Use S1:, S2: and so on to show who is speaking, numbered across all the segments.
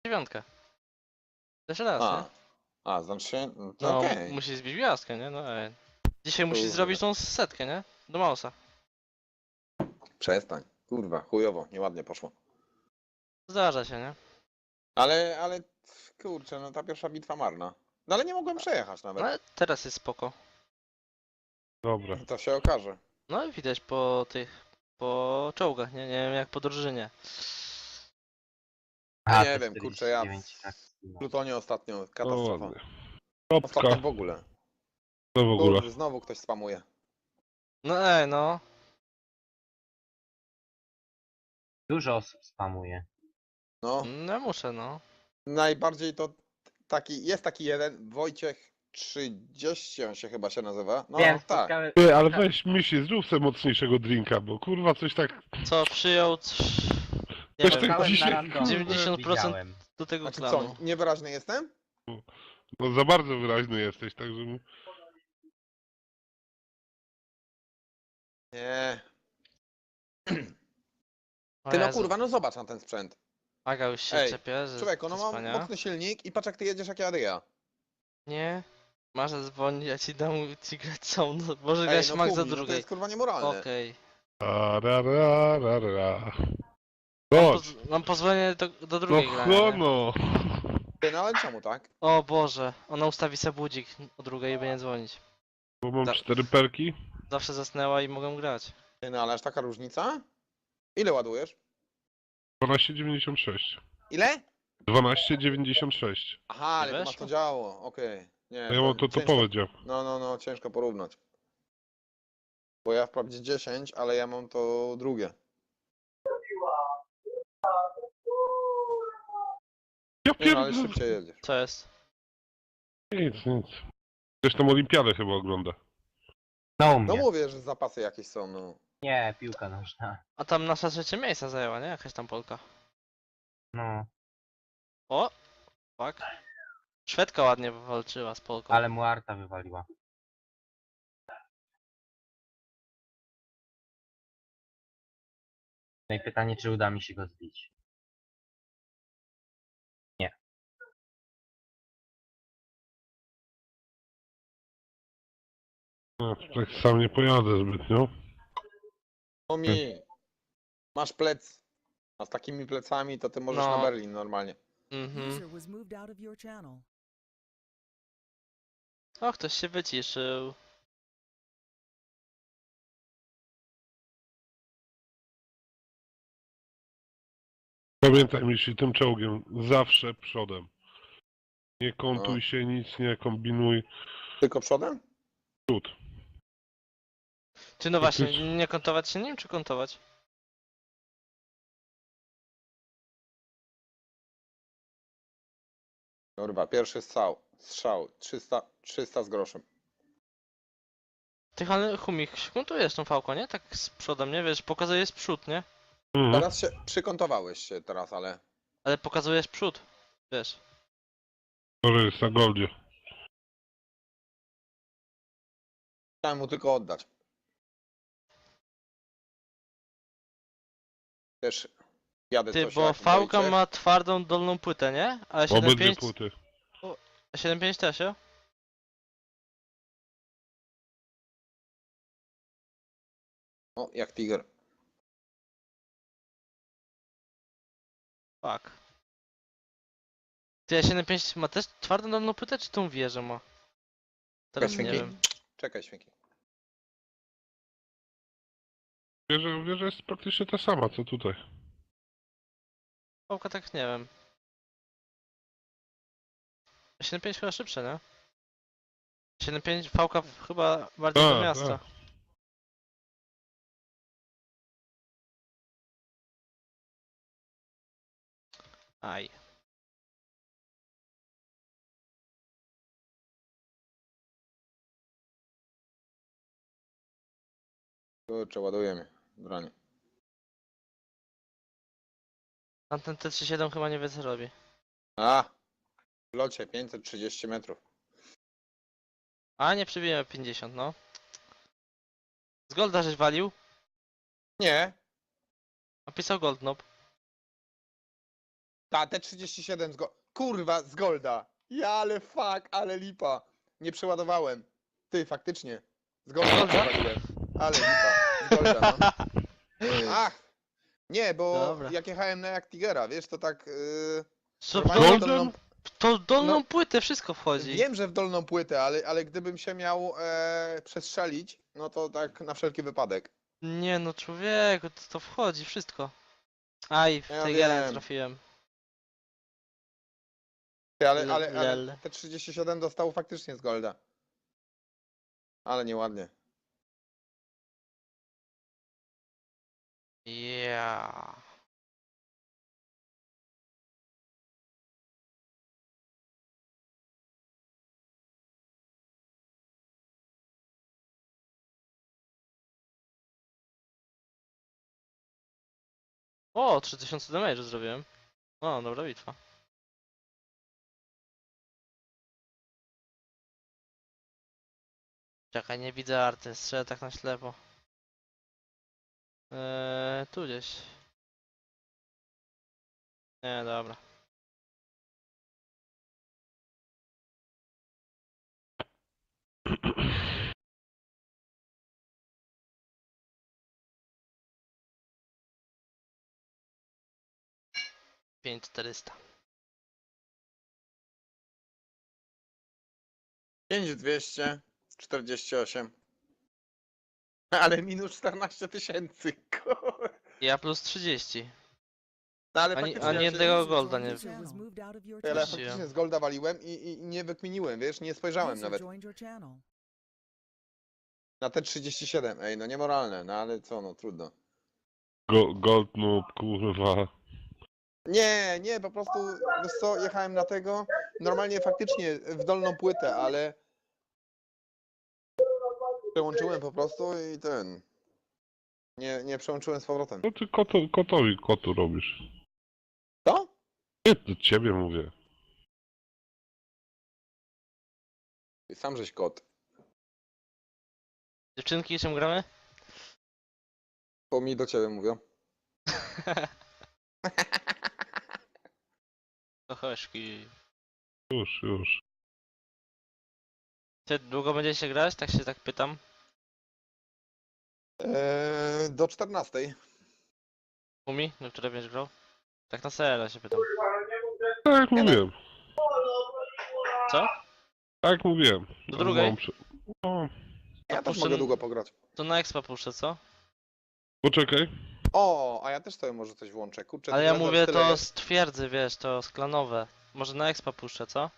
S1: dziewiątkę. Jeszcze raz, nie?
S2: Znaczy się, no to
S1: No,
S2: okej.
S1: musi zbić gwiazdkę, nie? No dzisiaj musi
S2: Kurde.
S1: zrobić tą setkę, nie? Do Mausa.
S2: Przestań. Kurwa, chujowo, nieładnie poszło.
S1: Zdarza się, nie?
S2: Ale, kurczę, no ta pierwsza bitwa marna. No ale nie mogłem przejechać
S1: No
S2: nawet.
S1: ale teraz jest spoko.
S3: Dobra.
S2: To się okaże.
S1: No i widać po po czołgach, nie? Nie wiem jak po drużynie.
S2: Ja
S4: A,
S2: nie
S4: te
S2: wiem, kurczę, ja
S4: 49, tak.
S2: w Plutonie ostatnio
S3: No
S2: katastrofa.
S3: ładnie.
S2: Ostatnio
S3: Topka.
S2: w ogóle.
S3: To w ogóle.
S2: Kurde, znowu ktoś spamuje.
S1: No no.
S4: Dużo osób spamuje.
S2: No,
S1: No muszę, no.
S2: najbardziej to jest taki jeden, Wojciech 30 on się chyba się nazywa. No
S4: Wiem,
S2: tak.
S4: spotkałem...
S3: Ty, ale weź misi, zrób sobie mocniejszego drinka, bo kurwa coś tak...
S1: Co przyjął... Nie
S3: Coś
S1: wiem,
S3: tak
S4: Spotkałem
S3: dzisiaj,
S4: na randomie,
S1: 90%
S4: widziałem.
S1: do tego
S2: Znaczy
S1: klanu.
S2: co, niewyraźny jestem?
S3: No za bardzo wyraźny jesteś, także...
S2: Nie.
S1: O
S2: Ty no
S1: Jezu.
S2: kurwa, no zobacz na ten sprzęt.
S1: Aga już się
S2: Ej,
S1: czepie, że
S2: Człowieku, no
S1: to
S2: mam
S1: wspaniałe.
S2: mocny silnik i patrz jak ty jedziesz jak jadę ja.
S1: Nie. Masz dzwonić, ja ci dam ci grać są. No, może
S2: Ej,
S1: grać
S2: no
S1: max za
S2: Kubi, no to
S1: drugiej.
S2: jest kurwa niemoralne.
S1: Okej.
S3: Ra.
S1: Mam,
S3: Chodź.
S1: mam pozwolenie do
S3: No
S1: drugiej grania. nie?
S3: no.
S2: Ty, no ale czemu tak?
S1: O Boże, ona ustawi sobie budzik o drugiej i będzie dzwonić.
S3: Bo mam
S1: Da-
S3: 4 perki.
S1: Zawsze zasnęła i mogę grać.
S2: Ty, no ale aż taka różnica? Ile ładujesz?
S3: 12,96.
S2: Ile?
S3: 12,96.
S2: Aha, ale
S1: Nie
S2: to masz
S1: weszło?
S2: to działo, okej. Nie,
S3: Ja mam to
S2: ciężko-
S3: topowe dział.
S2: No, ciężko porównać. Bo ja wprawdzie 10, ale ja mam to drugie.
S3: Ja
S2: Nie no, ale
S3: pierdolę.
S2: szybciej jedziesz.
S1: Co jest?
S3: Nic. Ktoś tam olimpiadę chyba ogląda.
S4: No u
S2: No
S4: mnie.
S2: mówię, że zapasy jakieś są, no.
S4: Nie, piłka nożna.
S1: A tam nasza trzecie miejsca zajęła, nie? Jakaś tam Polka.
S4: No,
S1: O! Fuck. Szwedka ładnie walczyła z Polką.
S4: ale mu Arta wywaliła. No i pytanie, czy uda mi się go zbić.
S3: No, tak sam nie pojadę zbytnio.
S2: Tomi, masz plec. A z takimi plecami to ty możesz
S1: No.
S2: na Berlin normalnie.
S1: Mhm.
S5: User was moved out of your channel.
S1: O, ktoś się wyciszył.
S3: Pamiętaj mi tym czołgiem. Zawsze przodem. Nie kontuj
S2: No.
S3: się, nic nie kombinuj.
S2: Tylko przodem?
S3: Przód.
S1: Czy no właśnie,
S3: Faktycznie.
S1: nie kontować się nim, czy kontować?
S2: Kurwa, pierwszy strzał 300 z groszem.
S1: Ty, ale Humik, kontujesz tą fałką, nie? Tak z przodem, nie? Wiesz, pokazujesz przód, nie?
S3: Mhm.
S2: Teraz się przykątowałeś się teraz, ale
S1: Ale pokazujesz przód, wiesz.
S3: To jest na goldzie.
S2: chciałem mu tylko oddać. Też jadę
S1: Ty,
S2: coś
S1: bo
S2: jak
S1: fałka
S2: Wojciech.
S1: ma twardą dolną płytę, nie? A
S3: Obydwie
S1: 7.5...
S3: płyty.
S1: A 7.5 też, jo?
S2: O, jak tiger.
S1: Fuck. Ty, a 7.5 ma też twardą dolną płytę, czy tą wieżę ma? Teraz nie
S2: Świnki.
S1: wiem.
S2: Czekaj, świnki.
S3: Wieża jest praktycznie ta sama, co tutaj.
S1: Fałka tak nie wiem. 7.5 chyba szybsze, nie? 7.5 fałka chyba bardziej do
S3: Tak,
S1: miasta.
S3: tak.
S1: Aj.
S2: Kurczę, ładujemy. Branie.
S1: Tamten T37 chyba nie wie co robi.
S2: A! W locie 530 metrów.
S1: A nie przybijemy 50, no. Z Golda żeś walił?
S2: Nie!
S1: Napisał Gold Knob.
S2: Ta, T37 Kurwa, z Golda. Ja, ale fuck, ale lipa. Nie przeładowałem. Ty, faktycznie. Z Golda przewaliłem. Ale lipa. Z Golda, no. Ach! Nie, bo
S1: Dobra.
S2: jak jechałem na jak Tigera, wiesz, to tak...
S1: Co,
S2: normalnie
S3: Golden?
S2: dolną,
S1: to w dolną
S2: No.
S1: płytę wszystko wchodzi.
S2: wiem, że w dolną płytę, ale gdybym się miał przestrzelić, no to tak na wszelki wypadek.
S1: Nie no, człowieku, to wchodzi wszystko. Aj, w
S2: Ja
S1: tej nie
S2: wiem.
S1: trafiłem.
S2: Ty, ale
S1: Lel.
S2: T37 dostał faktycznie z Golda. Ale nieładnie.
S1: Ja. O, 3000 damage zrobiłem. O, dobra bitwa. Czekaj, nie widzę arty, strzelę tak na ślepo. Tu gdzieś. Nie, dobra. Pięć 400.
S2: 5248. Ale minus 14 tysięcy.
S1: Ja plus 30.
S2: No ale
S1: Ani
S2: faktycznie,
S1: jednego
S5: User
S1: golda
S5: joined
S1: nie.
S5: your channel. Was moved out of your
S2: ale
S5: channel.
S2: faktycznie z Golda waliłem i nie wykminiłem, wiesz, nie spojrzałem
S5: User
S2: nawet.
S5: joined your channel.
S2: Na te 37, ej, no niemoralne, no ale co, no trudno.
S3: Gold noob, kurwa.
S2: Nie, po prostu, wiesz co, jechałem na tego, normalnie faktycznie w dolną płytę, ale przełączyłem po prostu i nie przełączyłem z powrotem.
S3: No ty kotu robisz.
S2: Co?
S3: Nie, do ciebie mówię.
S2: Ty sam żeś kot.
S1: Dziewczynki, czym gramy?
S2: To mi do ciebie mówią.
S1: Kochoszki.
S3: Już.
S1: Ty długo będziecie grać? Tak się tak pytam.
S2: Do 14.
S1: Umi, do której będziesz grał? Tak na serio się pytam.
S3: Tak jak mówiłem.
S1: Co?
S3: Tak jak mówiłem.
S1: Do drugiej?
S3: No,
S2: Ja też
S1: puszczę-
S2: mogę długo pograć.
S1: To na expa puszczę, co?
S3: poczekaj.
S2: O, a ja też sobie może coś włączę. Kurczę,
S1: Ale
S2: ty
S1: ja
S2: Lazar
S1: mówię
S2: tyle
S1: to
S2: jest.
S1: z twierdzy, wiesz, to z klanowe. Może na expa puszczę, co?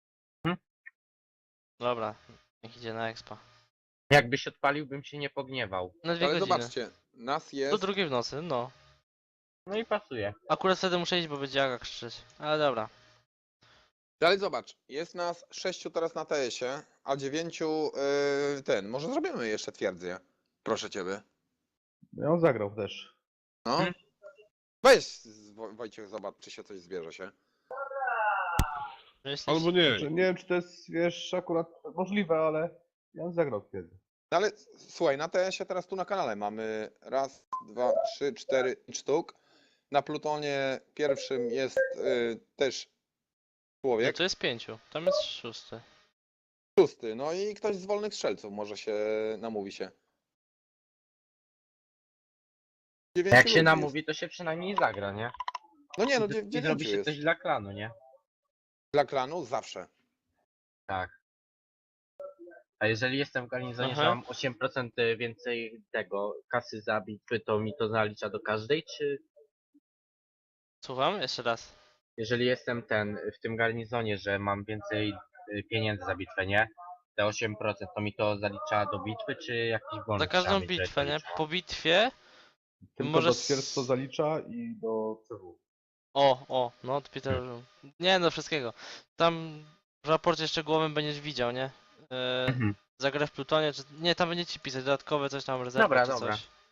S1: Dobra, niech idzie na expa.
S4: Jakbyś odpalił, bym się nie pogniewał.
S1: Na 2
S2: Ale
S1: godziny.
S2: zobaczcie, nas
S1: Do
S2: jest...
S1: 2 w nocy, no.
S4: No i pasuje.
S1: Akurat wtedy muszę iść, bo będzie Aga krzyczeć. Ale dobra.
S2: Ale zobacz, jest nas 6 teraz na TS-ie, a 9 może zrobimy jeszcze twierdzę. Proszę ciebie.
S6: Ja on zagrał też.
S2: No. Weź Wojciech, zobacz, czy się coś zbierze się.
S1: Myślisz?
S3: Albo nie.
S6: Znaczy, nie wiem, czy to jest, wiesz, akurat możliwe, ale ja on zagrał kiedy.
S2: No ale słuchaj, na TS-ie teraz tu na kanale mamy raz, dwa, trzy, 4 sztuk. Na Plutonie pierwszym jest też
S1: No
S2: człowiek.
S1: to jest 5. Tam jest 6.
S2: 6. No i ktoś z wolnych strzelców może się namówi się. 9
S4: Jak
S2: ludzi
S4: się
S2: jest.
S4: namówi, to się przynajmniej zagra, nie?
S2: No nie, no
S4: I
S2: 9
S4: zrobi się
S2: jest.
S4: coś dla klanu, nie?
S2: Dla klanu zawsze.
S4: Tak. A jeżeli jestem w garnizonie,
S1: Aha.
S4: że mam 8% więcej tego kasy za bitwy, to mi to zalicza do każdej, czy
S1: Słucham? Jeszcze raz.
S4: jeżeli jestem w tym garnizonie, że mam więcej pieniędzy za bitwę, nie? Te 8% to mi to zalicza do bitwy, czy jakiś bonus
S1: Za każdą
S4: trzeba mieć, żeby
S1: bitwę,
S4: to
S1: nie?
S4: liczyło?
S1: Po bitwie.
S6: Tylko
S1: Może
S6: do
S1: s-
S6: twierdz to zalicza i do CW.
S1: No to Peter. Nie, do wszystkiego. Tam w raporcie szczegółowym będziesz widział, nie?
S4: Mhm.
S1: Za grę w Plutonie, czy... Nie, tam będzie ci pisać dodatkowe coś tam, rezerwa
S4: Dobra,
S1: czy
S4: dobra.
S1: coś.